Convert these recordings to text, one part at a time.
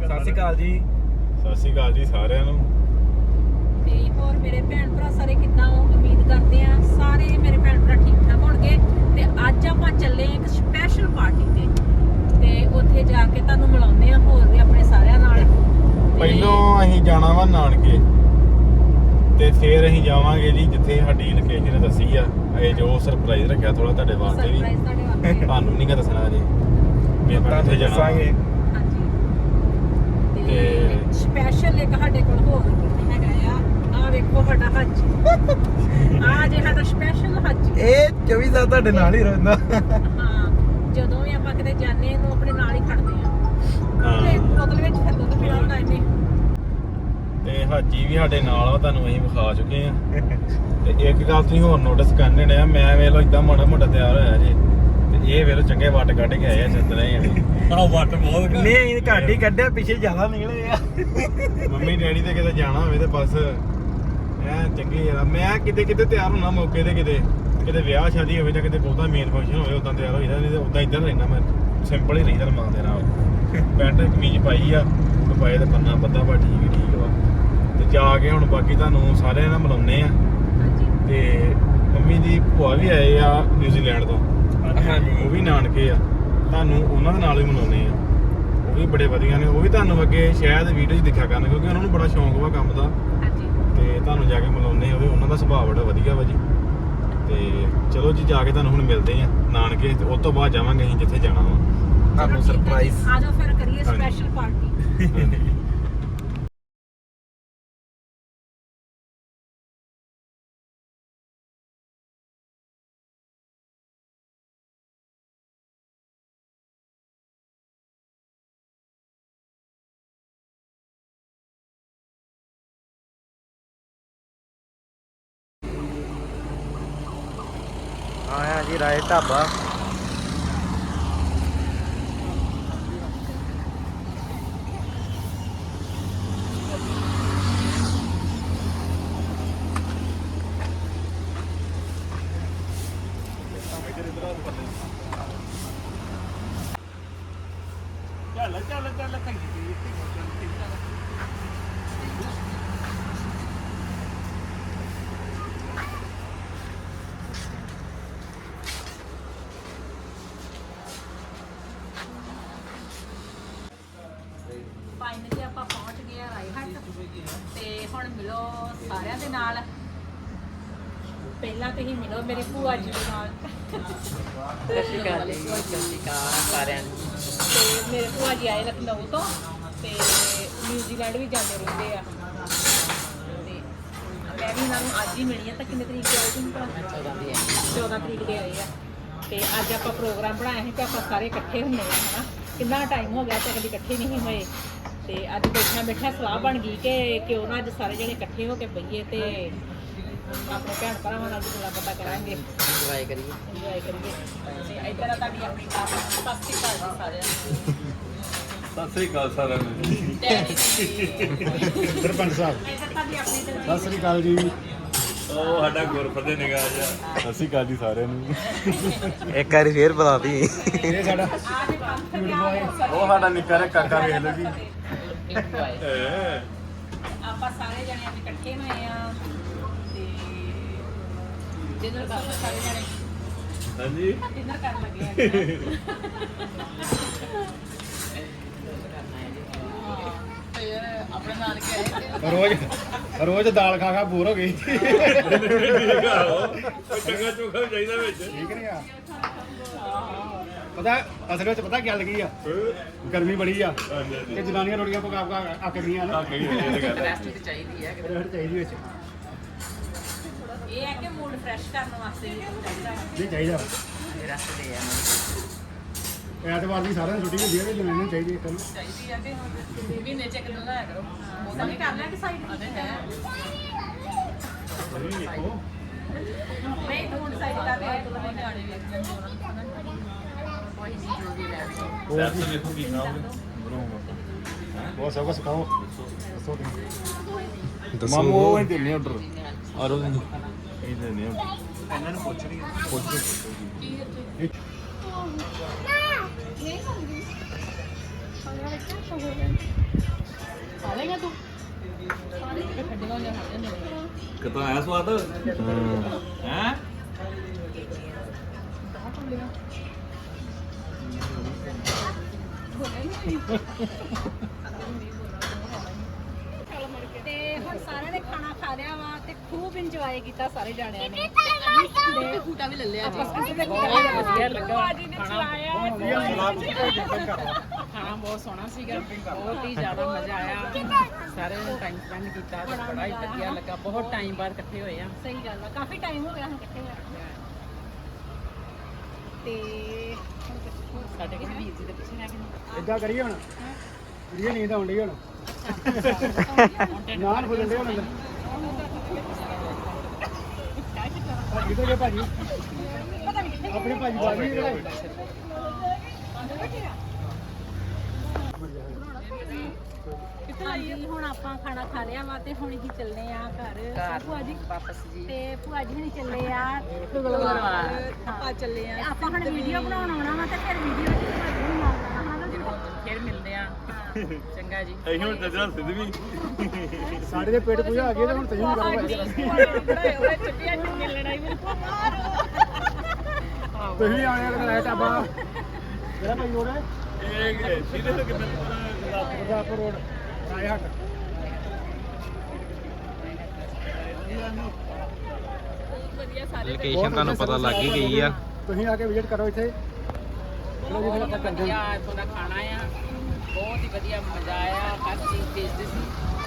ਸਤਿ ਸ਼੍ਰੀ ਅਕਾਲ ਜੀ। ਸਤਿ ਸ਼੍ਰੀ ਅਕਾਲ ਜੀ ਸਾਰਿਆਂ ਨੂੰ। ਤੇ ਹੋਰ ਮੇਰੇ ਭੈਣ ਭਰਾ ਸਾਰੇ ਕਿੱਦਾਂ ਹੋ? ਉਮੀਦ ਕਰਦੇ ਆ ਸਾਰੇ ਮੇਰੇ ਭੈਣ ਭਰਾ ਠੀਕ ਠਾਕ ਹੋਣਗੇ। ਤੇ ਅੱਜ ਆਪਾਂ ਚੱਲੇ ਇੱਕ ਸਪੈਸ਼ਲ ਪਾਰਟੀ ਤੇ ਉੱਥੇ ਜਾ ਕੇ ਤੁਹਾਨੂੰ ਮਿਲਾਉਂਦੇ ਆ ਹੋਰ ਵੀ ਆਪਣੇ ਸਾਰਿਆਂ ਨਾਲ। ਪਹਿਲੋਂ ਅਸੀਂ ਜਾਣਾ ਵਾ ਨਾਨਕੇ ਤੇ ਫਿਰ ਅਸੀਂ ਜਾਵਾਂਗੇ ਜੀ ਜਿੱਥੇ ਸਾਡੀ ਲੋਕੇਸ਼ਨ ਦੱਸੀ ਆ। ਇਹ ਜੋ ਸਰਪ੍ਰਾਈਜ਼ ਰੱਖਿਆ ਥੋੜਾ ਤੁਹਾਡੇ ਵਾਸਤੇ ਵੀ, ਸਰਪ੍ਰਾਈਜ਼ ਤੁਹਾਡੇ ਵਾਸਤੇ। ਤੁਹਾਨੂੰ ਨਹੀਂ ਦੱਸਣਾ ਜੀ ਵੀ ਆਪਾਂ ਕਿੱਥੇ ਜਾਣਾ। ਹਾਂਜੀ ਤੇ ਸਪੈਸ਼ਲ ਇੱਕ ਸਾਡੇ ਕੋਲ ਹੋਰ ਹੈਗਾ ਆ ਵੇਖੋ ਸਾਡਾ ਹੱਜ। ਆ ਜੇ ਸਾਡਾ ਸਪੈਸ਼ਲ ਹੱਜ। ਇਹ 24 ਸਾਲ ਤੁਹਾਡੇ ਨਾਲ ਹੀ ਰਹਿੰਦਾ। ਹਾਂ, ਜਦੋਂ ਵੀ ਆਪਾਂ ਕਿਤੇ ਜਾਂਦੇ ਇਹਨੂੰ ਆਪਣੇ ਨਾਲ ਹੀ ਖੜਦੇ ਆ। ਤੇ ਬੋਤਲ ਵਿੱਚ ਫਿਰ ਦੁੱਧ ਪੀਣਾ ਹੁੰਦਾ ਇਹਨੇ। ਤੇ ਹਾਜੀ ਵੀ ਸਾਡੇ ਨਾਲ ਆ, ਤੁਹਾਨੂੰ ਅਸੀਂ ਵਿਖਾ ਚੁੱਕੇ ਆ। ਤੇ ਇੱਕ ਗੱਲ ਤੁਸੀਂ ਹੋਰ ਨੋਟਿਸ ਕਰਨੇ ਨੇ ਆ, ਮੈਂ ਵੇਖ ਲਓ ਇਦਾਂ ਮਾੜਾ ਮੋਟਾ ਤਿਆਰ ਹੋਇਆ ਜੀ ਤੇ ਇਹ ਵੇਖ ਲਓ ਚੰਗੇ ਵੱਟ ਕੱਢ ਕੇ ਆਏ ਆ ਚੰਦਰੇ ਜਣੇ। ਵੱਟ ਬਹੁਤ ਨਹੀਂ ਘੱਟ ਹੀ ਕੱਢਿਆ, ਪਿੱਛੇ ਜ਼ਿਆਦਾ ਨਿਕਲੇ ਆ। ਮੰਮੀ ਡੈਡੀ ਤੇ ਕਿਤੇ ਜਾਣਾ ਹੋਵੇ ਤੇ ਬਸ ਐ ਚੰਗੀ ਯਾਰ। ਮੈਂ ਕਿਤੇ ਕਿਤੇ ਤਿਆਰ ਹੋਣਾ ਮੌਕੇ ਤੇ, ਕਿਤੇ ਵਿਆਹ ਸ਼ਾਦੀ ਹੋਵੇ ਜਾਂ ਕਿਤੇ ਬਹੁਤਾ ਮੇਨ ਫੰਕਸ਼ਨ ਹੋਵੇ ਉਦਾਂ ਤਿਆਰ ਹੋਈਦਾ, ਨਹੀਂ ਤੇ ਉਦਾਂ ਇੱਧਰ ਰਹਿਣਾ ਮੈਂ ਸਿੰਪਲ ਹੀ ਰਹੀਦਾ ਮਾਂ ਦੇ ਨਾਲ। ਪੈਂਟ ਕਮੀਜ਼ ਪਾਈ ਆ, ਪਾਏ ਤੇ ਪੰਨਾ ਬੱਦਾ ਵਾ ਠੀਕ ਵਾ। ਤੇ ਜਾ ਕੇ ਹੁਣ ਬਾਕੀ ਤੁਹਾਨੂੰ ਸਾਰਿਆਂ ਨਾਲ ਮਿਲਾਉਂਦੇ ਆ। ਤੇ ਮੰਮੀ ਦੀ ਭੂਆ ਵੀ ਆਏ ਆ ਨਿਊਜ਼ੀਲੈਂਡ ਤੋਂ, ਉਹ ਵੀ ਨਾਨਕੇ ਆ, ਤੁਹਾਨੂੰ ਉਹਨਾਂ ਦੇ ਨਾਲ ਹੀ ਮਿਲਾਉਂਦੇ ਆ। ਉਹ ਵੀ ਬੜੇ ਵਧੀਆ ਨੇ, ਉਹ ਵੀ ਤੁਹਾਨੂੰ ਅੱਗੇ ਸ਼ਾਇਦ ਵੀਡੀਓ 'ਚ ਦਿਖਿਆ ਕਰਨ ਕਿਉਂਕਿ ਉਹਨਾਂ ਨੂੰ ਬੜਾ ਸ਼ੌਂਕ ਵਾ ਕੰਮ ਦਾ। ਤੇ ਤੁਹਾਨੂੰ ਜਾ ਕੇ ਮਿਲਾਉਂਦੇ ਆ, ਉਹਨਾਂ ਦਾ ਸੁਭਾਅ ਬੜਾ ਵਧੀਆ ਵਾ ਜੀ। ਤੇ ਚਲੋ ਜੀ ਜਾ ਕੇ ਤੁਹਾਨੂੰ ਹੁਣ ਮਿਲਦੇ ਆ ਨਾਨਕੇ, ਤੇ ਉਸ ਤੋਂ ਬਾਅਦ ਜਾਵਾਂਗੇ ਅਸੀਂ ਜਿੱਥੇ ਜਾਣਾ ਵਾ। ਤੁਹਾਨੂੰ ਸਰਪ੍ਰਾਈਜ਼। ਆ ਜਾਓ ਫਿਰ ਕਰੀਏ ਸਪੈਸ਼ਲ ਪਾਰਟੀ। ਆਇਆ ਜੀ ਰਾਏ ਢਾਬਾ। ਚੱਲ ਫਾਈਨਲੀ ਆਪਾਂ ਪਹੁੰਚ ਗਏ ਆ ਰਾਏਹੱਟ ਤੇ ਹੁਣ ਮਿਲੋ ਸਾਰਿਆਂ ਦੇ ਨਾਲ। ਪਹਿਲਾਂ ਤੁਸੀਂ ਮਿਲੋ ਮੇਰੀ ਭੂਆ ਜੀ ਦੇ ਨਾਲ। ਸਤਿ ਸ਼੍ਰੀ ਅਕਾਲ ਜੀ, ਸਤਿ ਸ਼੍ਰੀ ਅਕਾਲ ਸਾਰਿਆਂ ਨੂੰ। ਤੇ ਮੇਰੇ ਭੂਆ ਜੀ ਆਏ ਲਖਨਊ ਤੋਂ ਤੇ ਨਿਊਜ਼ੀਲੈਂਡ ਵੀ ਜਾਂਦੇ ਰਹਿੰਦੇ ਆ। ਤੇ ਮੈਂ ਵੀ ਇਹਨਾਂ ਨੂੰ ਅੱਜ ਹੀ ਮਿਲੀ ਆ। ਤਾਂ ਕਿੰਨੇ ਤਰੀਕ ਦੇ ਆਏ ਤੁਸੀਂ ਭਲਾ? 14 ਤਰੀਕ ਦੇ ਆਏ ਆ। ਤੇ ਅੱਜ ਆਪਾਂ ਪ੍ਰੋਗਰਾਮ ਬਣਾਇਆ ਸੀ ਕਿ ਆਪਾਂ ਸਾਰੇ ਇਕੱਠੇ ਹੁੰਦੇ ਆ ਹਨਾ। ਕਿੰਨਾ ਟਾਈਮ ਹੋ ਗਿਆ ਤੇ ਕਦੀ ਇਕੱਠੇ ਨਹੀਂ ਹੋਏ। ਤੇ ਅੱਜ ਬੈਠਿਆਂ ਸਲਾਹ ਬਣ ਗਈ ਕਿ ਕਿਉਂ ਨਾ ਅੱਜ ਸਾਰੇ ਜਣੇ ਇਕੱਠੇ ਹੋ ਕੇ ਬਈਏ ਤੇ ਆਪਣੇ ਭੈਣ ਭਰਾਵਾਂ ਨਾਲ ਗੱਲਾਂ ਬਾਤਾਂ ਕਰਾਂਗੇ, ਇੰਜੋਏ ਕਰੀਏ। ਤੇ ਇੱਧਰ ਆ ਤੁਹਾਡੀ ਆਪਣੀ ਸਤਿ ਸ਼੍ਰੀ ਅਕਾਲ ਜੀ ਸਾਰਿਆਂ ਨੂੰ। ਸਤਿ ਸ੍ਰੀ ਅਕਾਲ ਸਾਰਿਆਂ ਨੂੰ। ਸਰਪੰਚ ਸਾਹਿਬ ਇੱਧਰ ਤੁਹਾਡੀ ਆਪਣੀ ਸਤਿ ਸ੍ਰੀ ਅਕਾਲ ਜੀ। ਉਹ ਸਾਡਾ ਗੁਰਫਤਿਹ ਨਿਗਾਹ ਜਾ। ਸਤਿ ਸ੍ਰੀ ਅਕਾਲ ਜੀ ਸਾਰਿਆਂ ਨੂੰ। ਇੱਕ ਵਾਰੀ ਫੇਰ ਬਤਾਤੀ। ਇਹ ਸਾਡਾ ਆਜ ਪੰਥ ਗਿਆ ਉਹ ਸਾਡਾ ਨਿੱਕਾ ਜਿਹਾ ਕਾਕਾ ਵੇਖ ਲਓ ਜੀ। ਆਪਾਂ ਸਾਰੇ ਜਣੇ ਅੱਜ ਇਕੱਠੇ ਹੋਏ ਆ ਤੇ ਡਿਨਰ ਕਰਨ ਸਾਰੇ ਜਣੇ ਹਾਂਜੀ ਡਿਨਰ ਕਰਨ ਲੱਗੇ ਆ। ਆਪਣੇ ਨਾਨਕੇ ਆਏ ਰੋਜ਼ ਦਾਲ ਖਾ ਬੋਰ ਹੋ ਗਈ। ਠੀਕ ਆ ਉਹ ਚੰਗਾ ਚੋਖਾ ਚਾਹੀਦਾ ਵਿੱਚ। ਠੀਕ ਨਹੀਂ ਆ? ਪਤਾ ਅਸਲ ਵਿੱਚ ਪਤਾ ਕੀ ਲੱਗੀ ਆ, ਗਰਮੀ ਬੜੀ ਆ ਕਿ ਜਨਾਨੀਆਂ ਰੋਟੀਆਂ ਪਕਾ ਅੱਕ ਗਈਆਂ ਨੇ। ਰੈਸਟ ਤੇ ਚਾਹੀਦੀ ਹੈ। ਰੋਟੀ ਚਾਹੀਦੀ ਵਿੱਚ। ਇਹ ਹੈ ਕਿ ਮੂਡ ਫਰੈਸ਼ ਕਰਨ ਵਾਸਤੇ ਵੀ ਚਾਹੀਦਾ। ਨਹੀਂ ਚਾਹੀਦਾ। ਰੈਸਟ ਤੇ ਆ ਐਤਵਾਰ ਦੀ ਸਾਰਿਆਂ ਨੂੰ ਛੁੱਟੀ ਹੁੰਦੀ ਹੈ ਤੇ ਜਨਾਨੀਆਂ ਨੂੰ ਚਾਹੀਦੀ ਇੱਕ ਨੂੰ। ਚਾਹੀਦੀ ਆ ਕਿ ਮਹੀਨੇ ਚ ਇੱਕ ਦਿਨ ਲਾਇਆ ਕਰੋ। ਉਹਦਾ ਵੀ ਕਰ ਲਿਆ ਕਿ ਸਾਈਡ ਤੇ ਹੈ ਨਹੀਂ ਤੂੰ ਸਾਈਡ ਕਰ ਲਿਆ ਇੱਕ ਦਿਨ ਨਿਆਣੇ ਵੇਖ ਲੈਂਦੇ ਉਹਨਾਂ ਨੂੰ ਖਾਣਾ ਕੋਈ ਨਹੀਂ ਜੋ ਵੀ ਲੈ ਸੈਰ ਤੇ ਵੇਖੋ ਕੀ ਖਾਓਗੇ। ਬਹੁਤ ਸਭ ਕੁਝ ਸਿਖਾਓ। ਦੱਸੋ ਮਾਮੂ ਉਹ ਹੀ ਦਿੰਨੇ ਆਰਡਰ ਆਰੋ ਦਿੰਦੇ ਇਹ ਦਿੰਨੇ ਆਰਡਰ। ਇਹਨਾਂ ਨੂੰ ਪੁੱਛ ਰਹੀ ਖਾ ਲੇਗਾ ਤੂੰ ਸਾਰੇ ਖੱਡੀਆਂ ਹੋ ਜਾਂਦੇ ਨੇ ਕਿਤੋਂ ਆਇਆ ਸਵਾਦ ਹੈ ਤੇ ਹੁਣ ਸਾਰਿਆਂ ਨੇ ਖਾਣਾ ਖਾ ਲਿਆ ਵਾ ਤੇ ਖੂਬ ਇੰਜੋਏ ਕੀਤਾ ਸਾਰੇ ਜਾਣਿਆਂ ਨੇ ਤੇ ਫੂਟਾ ਵੀ ਲੈ ਲਿਆ ਜੀ ਕਿਸੇ ਦੇ ਵਧੀਆ ਲੱਗਾ ਜੀ ਨੇ ਚਲਾਇਆ ਖਾਣਾ ਬਹੁਤ ਸੋਹਣਾ ਸੀਗਾ ਬਹੁਤ ਹੀ ਜ਼ਿਆਦਾ ਮਜ਼ਾ ਆਇਆ ਸਾਰਿਆਂ ਨੇ ਟਾਈਮ ਸਪੈਂਡ ਕੀਤਾ ਤੇ ਬੜਾ ਹੀ ਵਧੀਆ ਲੱਗਾ ਬਹੁਤ ਟਾਈਮ ਬਾਅਦ ਇਕੱਠੇ ਹੋਏ ਆ ਸਹੀ ਗੱਲ ਆ ਕਾਫੀ ਟਾਈਮ ਹੋ ਗਿਆ ਹੁਣ ਇਕੱਠੇ ਹੋਏ ਤੇ ਸਾਡੇ ਕਿਸੇ ਵੀਰ ਜੀ ਦੇ ਪਿੱਛੇ ਰਹਿ ਗਏ ਇਦਾਂ ਕਰੀਏ ਹੁਣ ਵੀਡੀਓ ਨੀਂਦ ਆਉਣ ਡਈ ਹੁਣ ਨਾਨ ਫੁੱਲਣ ਡੇ ਹੁਣ ਅੰਦਰ ਭਾਜੀ ਤੋਂ ਜੇ ਭਾਜੀ ਆਪਣੇ ਭਾਜੀ ਬਾਜੀ ਜਿਹੜੇ ਹਾਂਜੀ ਹੁਣ ਆਪਾਂ ਖਾਣਾ ਖਾ ਲਿਆ ਵਾ ਤੇ ਹੁਣ ਅਸੀਂ ਚੱਲਨੇ ਆ ਘਰ ਭੂਆ ਜੀ ਵਾਪਸ ਜੀ ਤੇ ਭੂਆ ਜੀ ਹੁਣੀ ਚੱਲੇ ਆ ਗੁਰਦੁਆਰਾ ਆਪਾਂ ਚੱਲੇ ਆ ਆਪਾਂ ਹੁਣ ਵੀਡੀਓ ਬਣਾਉਣ ਆਉਣਾ ਵਾ ਤੇ ਫਿਰ ਵੀਡੀਓ ਵਿੱਚ ਭੂਆ ਜੀ ਨੂੰ ਮਾਰਨਾ ਹਾਂ ਜੀ ਫਿਰ ਮਿਲਦੇ ਆ ਚੰਗਾ ਜੀ ਅਸੀਂ ਹੁਣ ਚੱਜਣਾ ਸਿੱਧ ਵੀ ਸਾਡੇ ਦੇ ਪੇਟ ਪੂਜਾ ਆ ਗਈ ਤੇ ਹੁਣ ਤੁਸੀਂ ਕਰੋ ਬਣਾਏ ਹੋਏ ਚੁੱਟੀਆਂ ਚੁੱਟੀਆਂ ਲੜਾਈ ਵਿੱਚ ਤੁਸੀਂ ਆਣੇ ਵਾਲੇ ਦਿਨ ਆਇਆ ਢਾਬਾ ਜਿਹੜਾ ਭਾਈ ਰੋਡ ਹੈ ਇਹ ਸਿੱਧੇ ਤੋਂ ਕਿੰਨੇ ਗੁਰਦਾਸਪੁਰ ਰੋਡ ਰਾਏ ਹੱਟ ਵਧੀਆ ਸਾਰੇ ਲੋਕੇਸ਼ਨ ਤੁਹਾਨੂੰ ਪਤਾ ਲੱਗ ਹੀ ਗਈ ਆ ਤੁਸੀਂ ਆ ਕੇ ਵਿਜ਼ਿਟ ਕਰੋ ਇੱਥੇ ਚਲੋ ਜੀ ਫਿਰ ਆਪਾਂ ਕਰਦੇ ਵਧੀਆ ਹਾਂ ਇੱਥੋਂ ਦਾ ਖਾਣਾ ਆ ਬਹੁਤ ਹੀ ਵਧੀਆ ਮਜ਼ਾ ਆਇਆ ਹਰ ਚੀਜ਼ ਟੇਸਟੀ ਸੀ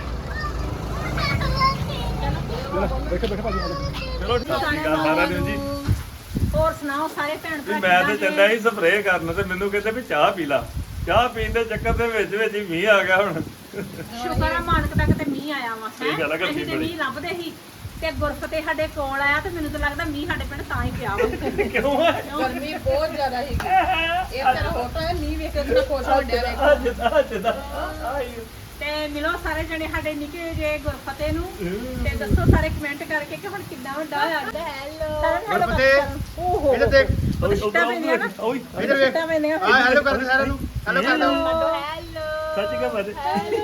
ਚਲੋ ਬੈਠੋ ਬੈਠੋ ਭਾਜੀ ਆ ਜਾਓ। ਚਲੋ ਸਤਿ ਸ਼੍ਰੀ ਅਕਾਲ ਸਾਰਿਆਂ ਨੂੰ ਜੀ ਹੋਰ ਸੁਣਾਓ ਸਾਰੇ ਭੈਣ ਵੀ ਭਰਾ ਮੈਂ ਤੇ ਚੱਲਿਆ ਸੀ ਸਪਰੇਅ ਕਰਨ ਤੇ ਮੈਨੂੰ ਕਹਿੰਦੇ ਵੀ ਚਾਹ ਪੀ ਲਾ ਚਾਹ ਪੀਣ ਦੇ ਚੱਕਰ ਦੇ ਵਿੱਚ ਵਿੱਚ ਹੀ ਮੀਂਹ ਆ ਗਿਆ ਹੁਣ ਸ਼ੁਕਰ ਆ ਮਾਨਕ ਤੱਕ ਤੇ ਮੀਂਹ ਆਇਆ ਵਾ ਸਹੀ ਗੱਲ ਆ, ਗਰਮੀ ਅਸੀਂ ਤੇ ਬੜੀ। ਮੀਂਹ ਲੱਭਦੇ ਸੀ ਤੇ ਗੁਰਫਤੇ ਸਾਡੇ ਕੋਲ ਆਇਆ ਤੇ ਮੈਨੂੰ ਤਾਂ ਲੱਗਦਾ ਮੀਂਹ ਸਾਡੇ ਪਿੰਡ ਤਾਂ ਹੀ ਪਿਆ ਵਾ ਕਿਉਂ ਹੈ ਗਰਮੀ ਬਹੁਤ ਜ਼ਿਆਦਾ ਸੀਗੀ ਇਹ ਤੇਰਾ ਫੋਟੋ ਹੈ ਮੀਂਹ ਵੇਖ ਕੇ ਕਿੰਨਾ ਖੁਸ਼ ਹੋ ਡਿਆ ਅੱਜ ਦਾ ਤੇ ਮਿਲੋ ਸਾਰੇ ਜਣੇ ਸਾਡੇ ਨਿੱਕੇ ਜੇ ਗੁਰਫਤੇ ਨੂੰ ਤੇ ਦੱਸੋ ਸਾਰੇ ਕਮੈਂਟ ਕਰਕੇ ਕਿ ਹੁਣ ਕਿੰਨਾ ਵੱਡਾ ਹੋਇਆ ਹੈਲੋ ਗੁਰਫਤੇ ਓਹੋ ਇੱਧਰ ਦੇਖ ਉਹ ਸਿੱਟਾ ਪੈਂਦੀਆਂ ਨਾ ਓਏ ਇੱਧਰ ਵੇਖ ਸਿੱਟਾ ਪੈਂਦੀਆਂ ਆ ਹੈਲੋ ਕਰਦੇ ਸਾਰਿਆਂ ਨੂੰ ਹੈਲੋ ਕਰ ਲਓ ਹੈਲੋ ਸੱਚ ਕਹ ਬਾਤ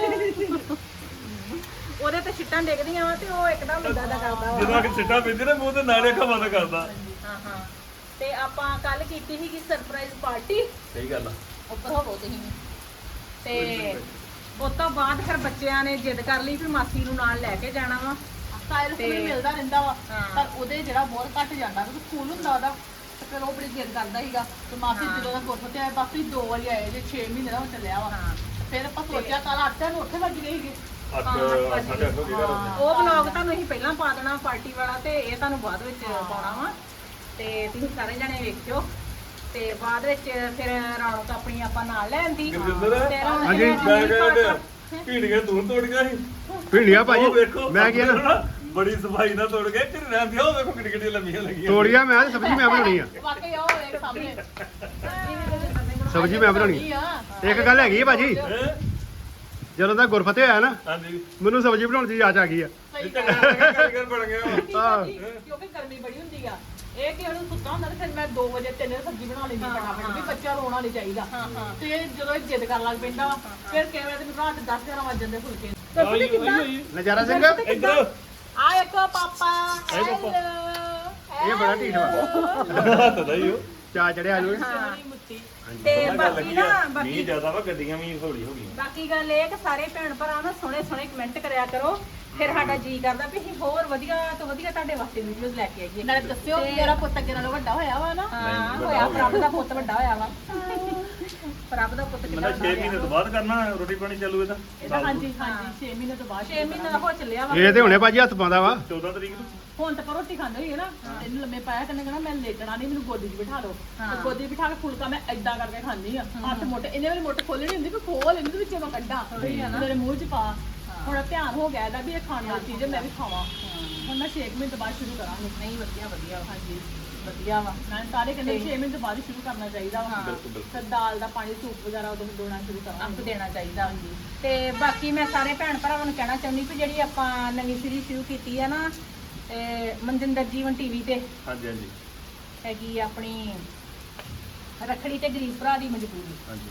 ਉਹਦੇ ਤੇ ਛਿੱਟਾਂ ਡਿੱਗਦੀਆਂ ਵਾ ਤੇ ਉਹ ਇੱਕਦਮ ਮੁੰਡਾ ਦਾ ਕਰਦਾ ਵਾ ਜਦੋਂ ਕਿ ਸਿੱਟਾ ਪੈਂਦੀ ਨਾ ਮੂੰਹ ਤੇ ਨਾਲੇ ਖਵਾ ਦਾ ਕਰਦਾ ਹਾਂ ਹਾਂ ਤੇ ਆਪਾਂ ਕੱਲ ਕੀਤੀ ਸੀਗੀ ਸਰਪ੍ਰਾਈਜ਼ ਪਾਰਟੀ ਸਹੀ ਗੱਲ ਆ ਉੱਪਰ ਹੋਵੋ ਤੁਸੀਂ ਤੇ ਉਸ ਤੋਂ ਬਾਅਦ ਫਿਰ ਬੱਚਿਆਂ ਨੇ ਜਿੱਦ ਕਰ ਲਈ ਵੀ ਮਾਸੀ ਨੂੰ ਨਾਲ ਲੈ ਕੇ ਜਾਣਾ ਵਾ ਸਟਾਈਲ ਤੇ- ਵੀ ਮਿਲਦਾ ਰਹਿੰਦਾ ਵਾ ਹਾਂ। ਪਰ ਉਹਦੇ ਜਿਹੜਾ ਬਹੁਤ ਘੱਟ ਜਾਂਦਾ ਕਿਉਂਕਿ ਸਕੂਲ ਹੁੰਦਾ ਉਹਦਾ ਤੇ ਫਿਰ ਉਹ ਬੜੀ ਜਿੱਦ ਕਰਦਾ ਸੀਗਾ ਤੇ ਮਾਸੀ ਹਾਂ। ਜਦੋਂ ਦਾ ਗੁਰਫਤ ਤੇ ਆਇਆ ਬਾਕੀ 2 ਵਾਰੀ ਆਏ ਜੇ 6 ਮਹੀਨੇ ਦਾ ਹੋ ਚੱਲਿਆ ਵਾ ਹਾਂ। ਫਿਰ ਆਪਾਂ ਸੋਚਿਆ ਕੱਲ 8 ਨੂੰ ਉੱਥੇ ਵੱਜ ਗਏ ਸੀਗੇ 8 8:30 ਦੀ ਗੱਲ ਉਹ ਵਲੌਗ ਤੁਹਾਨੂੰ ਅਸੀਂ ਪਹਿਲਾਂ ਪਾ ਦੇਣਾ ਪਾਰਟੀ ਵਾਲਾ ਤੇ ਇਹ ਤੁਹਾਨੂੰ ਬਾਅਦ ਵਿੱਚ ਪਾਉਣਾ ਵਾ ਤੇ ਤੁਸੀਂ ਸਾਰੇ ਜਣੇ ਵੇਖਿਓ ਤੇ ਬਾਅਦ ਵਿੱਚ ਫਿਰ ਰੌਣਕ ਆਪਣੀ ਆਪਾਂ ਨਾਲ ਲੈ ਆਂਦੀ ਗੁਰਜਿੰਦਰ? ਤੇ ਰੌਣਕ ਹਾਂਜੀ, ਨੇ ਮੈਂ ਆਪਣੀ ਕਹਿੰਦਾ ਭੀੜੀਆਂ ਤੂੰ ਤੋੜ ਗਿਆ ਸੀ ਭਿੰਡੀਆਂ ਉਹ ਭਾਜੀ ਵੇਖੋ ਮੈਂ ਕੀ ਨਾ ਬੜੀ ਸਫਾਈ ਨਾਲ ਤੋੜ ਗਏ ਢਿੱਡਾਂ ਦੀਆਂ ਉਹ ਵੇਖੋ ਕਿੱਡੀ ਕਿੱਡੀ ਲੰਮੀਆਂ ਲੱਗੀਆਂ ਤੋੜੀਆਂ ਮੈਂ ਤੇ ਸਬਜ਼ੀ ਮੈਂ ਬਣਾਉਣੀ ਆ ਵਾਕਈ ਉਹ ਵੇਖ ਸਾਹਮਣੇ ਸਬਜ਼ੀ ਮੈਂ ਬਣਾਉਣੀ ਆ ਇੱਕ ਗੱਲ ਹੈਗੀ ਹੈ ਭਾਜੀ ਹੈਂ? ਜਦੋਂ ਦਾ ਗੁਰਫਤਿਹ ਆਇਆ ਨਾ ਹਾਂਜੀ ਮੈਨੂੰ ਸਬਜ਼ੀ ਬਣਾਉਣ ਦੀ ਜਾਚ ਆ ਗਈ ਆ ਸਹੀ ਚੰਗਾ ਕਾਰੀਗਰ ਬਣ ਗਿਆ ਵਾ। ਆਹ। ਕਿਉਂਕਿ ਗਰਮੀ ਬੜੀ ਹੁੰਦੀ ਆ ਇਹ ਕਿ ਉਹਨੂੰ ਸੁੱਤਾ ਹੁੰਦਾ ਤੇ ਫਿਰ ਮੈਂ 2 ਵਜੇ 3 ਵਜੇ ਸਬਜ਼ੀ ਬਣਾ ਲੈਂਦੀ ਫਟਾਫਟ ਵੀ ਬੱਚਾ ਰੋਣਾ ਨਹੀਂ ਚਾਹੀਦਾ ਤੇ ਜਦੋਂ ਇਹ ਜਿੱਦ ਕਰਨ ਲੱਗ ਪੈਂਦਾ ਵਾ, ਫਿਰ ਕਿਵੇਂ ਤੇ ਰਾਤ 10 11 ਵਜ ਜਾਂਦੇ ਫੁਲਕੇ ਨਜ਼ਾਰਾ ਸਿੰਘ ਇੱਧਰ ਆ ਵੇਖੋ ਪਾਪਾ ਪਾਪਾ। ਇਹ ਬੜਾ ਢੀਠ ਵਾ ਹੱਥ ਦਾ ਹੀ ਉਹ ਚਾ ਚੜਿਆ ਨੂੰ ਮੁੱਤੀ ਤੇ ਗੱਲ ਬਾਕੀ ਲੱਗੀ ਨਾ ਆ ਮੀਂਹ ਬਾਕੀ ਜ਼ਿਆਦਾ ਵਾ ਗੱਡੀਆਂ ਵੀ ਹੌਲੀ ਹੋ ਗਈਆਂ ਬਾਕੀ ਗੱਲ ਇਹ ਕਿ ਸਾਰੇ ਭੈਣ ਭਰਾ ਨਾ ਸੋਹਣੇ ਸੋਹਣੇ ਕਮੈਂਟ ਕਰਿਆ ਕਰੋ ਫਿਰ ਸਾਡਾ ਜੀ ਕਰਦਾ ਵੀ ਅਸੀਂ ਹੋਰ ਵਧੀਆ ਤੋਂ ਵਧੀਆ ਤੁਹਾਡੇ ਵਾਸਤੇ ਵੀਡੀਓਜ਼ ਲੈ ਕੇ ਆਈਏ ਨਾਲੇ ਦੱਸਿਓ ਕਿ ਮੇਰਾ ਪੁੱਤ ਅੱਗੇ ਨਾਲੋਂ ਵੱਡਾ ਹੋਇਆ ਵਾ ਨਾ ਹਾਂ ਹੋਇਆ ਪ੍ਰਭ ਦਾ ਪੁੱਤ ਵੱਡਾ ਹੋਇਆ ਵਾ ਪ੍ਰਭ ਦਾ ਪੁੱਤ ਕਿੰਨਾ ਮੈਂ 6 ਮਹੀਨੇ ਤੋਂ ਬਾਅਦ ਕਰਨਾ ਰੋਟੀ ਪਾਣੀ ਚੱਲੂ ਇਹਦਾ ਇਹਦਾ ਹਾਂਜੀ 6 ਮਹੀਨੇ ਤੋਂ ਬਾਅਦ 6 ਮਹੀਨੇ ਦਾ ਹੋ ਚੱਲਿਆ ਵਾ ਇਹ ਤੇ ਹੁਣੇ ਭਾਜੀ ਹੱਥ ਪਾਉਂਦਾ ਵਾ 14 ਤਰੀਕ ਨੂੰ ਹੁਣ ਤਾਂ ਪਰ ਰੋਟੀ ਖਾਂਦੇ ਹੋਈਏ ਨਾ ਇਹਨੂੰ ਲੰਮੇ ਪਾਇਆ ਕਰਨੇ ਕਹਿਣਾ ਮੈਂ ਲੇਟਣਾ ਨਹੀਂ ਮੈਨੂੰ ਗੋਦੀ 'ਚ ਬਿਠਾ ਲਓ ਤੇ ਗੋਦੀ 'ਚ ਬਿਠਾ ਕੇ ਫੁਲਕਾ ਮੈਂ ਏਦਾਂ ਕਰਕੇ ਖਾਂਦੀ ਆ ਹੱਥ ਮੋਟੇ ਇਹਨੇ ਵਾਲੀ ਮੋਟੇ ਖੋਲਣੀ ਹੁੰਦੀ ਕਿ ਖੋਲ ਇਹਨੂੰ ਵਿੱਚੋਂ ਮੈਂ ਕੱਢਾਂ ਮੇਰੇ ਮੂੰਹ 'ਚ ਪਾ ਹੁਣ ਧਿਆਨ ਹੋ ਗਿਆ ਇਹਦਾ ਵੀ ਇਹ ਖਾਣ ਵਾਲੀ ਚੀਜ਼ ਹੈ ਮੈਂ ਵੀ ਖਾਵਾਂ ਹੁਣ ਮੈਂ 6 ਮਹੀਨੇ ਤੋਂ ਬਾਅਦ ਸ਼ੁਰੂ ਕਰਾਂਗੀ ਨਹੀਂ ਵਧੀਆ ਵਧੀਆ ਹਾਂਜੀ ਵਧੀਆ ਵਾ ਮੈਂ ਸਾਰੇ ਕਹਿੰਦੇ 6 ਮਹੀਨੇ ਤੋਂ ਬਾਅਦ ਹੀ ਸ਼ੁਰੂ ਕਰਨਾ ਚਾਹੀਦਾ ਵਾ ਫਿਰ ਦਾਲ ਦਾ ਪਾਣੀ ਸੂਪ ਵਗੈਰਾ ਉਦੋਂ ਦੋਣਾ ਸ਼ੁਰੂ ਅੰਕ ਕਰਾਂਗੇ ਦੇਣਾ ਚਾਹੀਦਾ ਤੇ ਬਾਕੀ ਮੈਂ ਸਾਰੇ ਭੈਣ ਭਰਾਵਾਂ ਨੂੰ ਕਹਿਣਾ ਚਾਹੁੰਦੀ ਕਿ ਜਿਹੜੀ ਆਪਾਂ ਨਵੀਂ ਸੀਰੀਜ਼ ਸ਼ੁਰੂ ਕੀਤੀ ਹੈ ਨਾ ਤੇ ਮਨਜਿੰਦਰ ਜੀਵਨ ਟੀਵੀ ਤੇ ਹਾਂਜੀ ਹਾਂਜੀ ਹੈਗੀ ਆਪਣੀ ਰੱਖੜੀ ਤੇ ਗਰੀਬ ਭਰਾ ਦੀ ਮਜਬੂਰੀ ਹਾਂਜੀ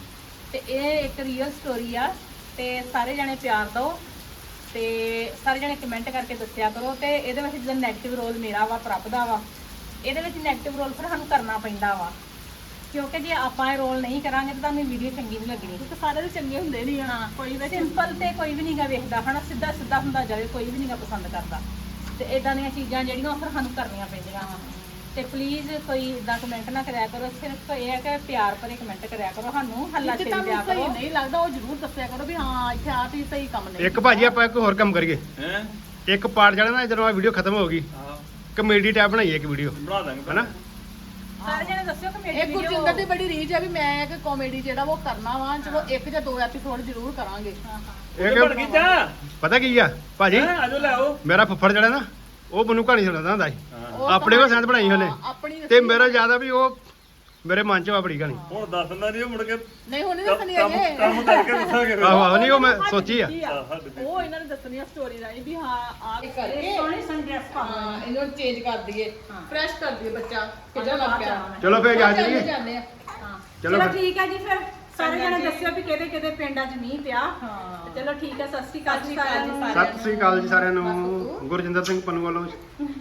ਤੇ ਇਹ ਇੱਕ ਰੀਅਲ ਸਟੋਰੀ ਆ ਤੇ ਸਾਰੇ ਜਣੇ ਪਿਆਰ ਦਿਓ ਤੇ ਸਾਰੇ ਜਣੇ ਕਮੈਂਟ ਕਰਕੇ ਦੱਸਿਆ ਕਰੋ। ਤੇ ਇਹਦੇ ਵਿੱਚ ਜਿਹੜਾ ਨੈਗੇਟਿਵ ਰੋਲ ਮੇਰਾ ਵਾ, ਪ੍ਰਭ ਦਾ ਵਾ, ਇਹਦੇ ਵਿੱਚ ਨੈਗੇਟਿਵ ਰੋਲ ਫਿਰ ਸਾਨੂੰ ਕਰਨਾ ਪੈਂਦਾ ਵਾ, ਕਿਉਂਕਿ ਜੇ ਆਪਾਂ ਇਹ ਰੋਲ ਨਹੀਂ ਕਰਾਂਗੇ ਤਾਂ ਤੁਹਾਨੂੰ ਵੀਡੀਓ ਚੰਗੀ ਨਹੀਂ ਲੱਗਣੀ। ਤੇ ਸਾਰੇ ਦੇ ਚੰਗੇ ਹੁੰਦੇ ਨਹੀਂ ਹਾਂ, ਕੋਈ ਵੀ ਸਿੰਪਲ ਤੇ ਕੋਈ ਵੀ ਨਹੀਂਗਾ ਵੇਖਦਾ ਹਨਾ, ਸਿੱਧਾ ਸਿੱਧਾ ਹੁੰਦਾ ਜਾਵੇ, ਕੋਈ ਵੀ ਨਹੀਂਗਾ ਪਸੰਦ ਕਰਦਾ। ਤੇ ਇਦਾਂ ਦੀਆਂ ਚੀਜ਼ਾਂ ਜਿਹੜੀਆਂ ਉਹ ਫਿਰ ਸਾਨੂੰ ਕਰਨੀਆਂ ਪੈਂਦੀਆਂ ਵਾ। ਤੇ ਪਲੀਜ਼ ਕੋਈ ਇਦਾਂ ਕਮੈਂਟ ਨਾ ਕਰਿਆ ਕਰੋ, ਸਿਰਫ ਇਹ ਹੈ ਕਿ ਪਿਆਰ ਭਰੇ ਕਮੈਂਟ ਕਰਿਆ ਕਰੋ, ਸਾਨੂੰ ਹੱਲਾ ਜੇ ਛੇੜ ਦਿਆ ਤੁਹਾਨੂੰ ਸਹੀ ਕਰੋ। ਨਹੀਂ ਲੱਗਦਾ ਉਹ ਜ਼ਰੂਰ ਦੱਸਿਆ ਕਰੋ ਵੀ ਹਾਂ ਇੱਥੇ ਆ ਤੁਸੀਂ ਸਹੀ ਕੰਮ ਨਹੀਂ। ਇੱਕ ਭਾਜੀ ਆਪਾਂ ਇੱਕ ਹੋਰ ਕੰਮ ਕਰੀਏ, ਹੈ ਇੱਕ ਪਾਰਟ ਜਿਹੜਾ ਨਾ ਜਦੋਂ ਆ ਵੀਡੀਓ ਖਤਮ ਹੋ ਗਈ ਹਾਂ ਕਮੇਡੀ ਟੈਬ ਬਣਾਈਏ ਇੱਕ ਵੀਡੀਓ, ਬਣਾ ਦਾਂਗੇ ਹਨਾ? ਸਾਰੇ ਜਣੇ ਦੱਸਿਓ ਕਿ ਮੇਰੀ ਇਹ ਗੁਰਜਿੰਦਰ ਦੀ ਬੜੀ ਰੀਝ ਆ ਵੀ ਮੈਂ ਇੱਕ ਕਾਮੇਡੀ ਜਿਹੜਾ ਉਹ ਕਰਨਾ ਵਾ, ਚਲੋ 1 ਜਾਂ 2 ਐਪੀਸੋਡ ਜ਼ਰੂਰ ਕਰਾਂਗੇ। ਇਹ ਬਣ ਗਈ ਜਾ ਪਤਾ ਕੀ ਆ ਭਾਜੀ, ਹੈਂ, ਆਜੋ ਲੈ ਆਓ ਮੇਰਾ ਫੁੱਫੜ ਜਿਹੜਾ ਨਾ ਉਹ ਮੈਨੂੰ ਕਹਾਣੀ ਸੁਣਾਉਂਦਾ ਹੁੰਦਾ ਸੀ, ਉਹ ਆਪਣੇ ਕੋਲ ਸੈਂਦ ਬਣਾਈ ਉਹਨੇ, ਆਪਣੀ ਤੇ ਮੇਰਾ ਜ਼ਿਆਦਾ ਵੀ ਉਹ ਮੇਰੇ ਮਨ ਚ ਆ ਬੜੀ ਕਹਾਣੀ। ਹੁਣ ਦੱਸ ਦਿੰਦਾ ਨਹੀਂ ਉਹ ਮੁੜ ਕੇ ਨਹੀਂ ਹੁਣ ਨਹੀਂ ਕੰਮ ਦੱਸਣੀ ਕੰਮ ਅਜੇ। ਕੰਮ ਕਰਕੇ ਦੱਸਾਂਗੇ ਫਿਰ। ਆਹੋ ਆਹੋ, ਨਹੀਂ ਉਹ ਮੈਂ ਸੋਚੀ ਆ। ਉਹ ਇਹਨਾਂ ਨੇ ਦੱਸਣੀ ਆ ਸਟੋਰੀ ਰਾਹੀਂ ਵੀ ਹਾਂ ਆ ਕਰਕੇ ਸੋਹਣੀ ਸੰਡਰੈਸ ਪਾ ਹਾਂ ਇਹਨੂੰ ਚੇਂਜ ਕਰ ਦਈਏ, ਫਰੈਸ਼ ਕਰ ਦਈਏ ਬੱਚਾ ਕਿੱਦਾਂ ਲੱਗ ਪਿਆ। ਚਲੋ ਫਿਰ ਜਾ ਚੱਲ ਜਾਈਏ, ਜਾਂਦੇ ਆ। ਚਲੋ ਚਲੋ ਫਿਰ। ਠੀਕ ਹੈ ਜੀ, ਫਿਰ ਸਾਰੇ ਜਣੇ ਦੱਸਿਓ ਵੀ ਕਿਹਦੇ ਕਿਹਦੇ ਪਿੰਡਾਂ 'ਚ ਮੀਂਹ ਪਿਆ। ਚਲੋ ਠੀਕ ਹੈ, ਸਤਿ ਸ਼੍ਰੀ ਅਕਾਲ ਜੀ ਸਾਰਿਆਂ ਨੂੰ। ਸਤਿ ਸ੍ਰੀ ਅਕਾਲ ਜੀ ਸਾਰਿਆਂ ਨੂੰ, ਗੁਰਜਿੰਦਰ ਸਿੰਘ ਪੰਨੂ ਵੱਲੋਂ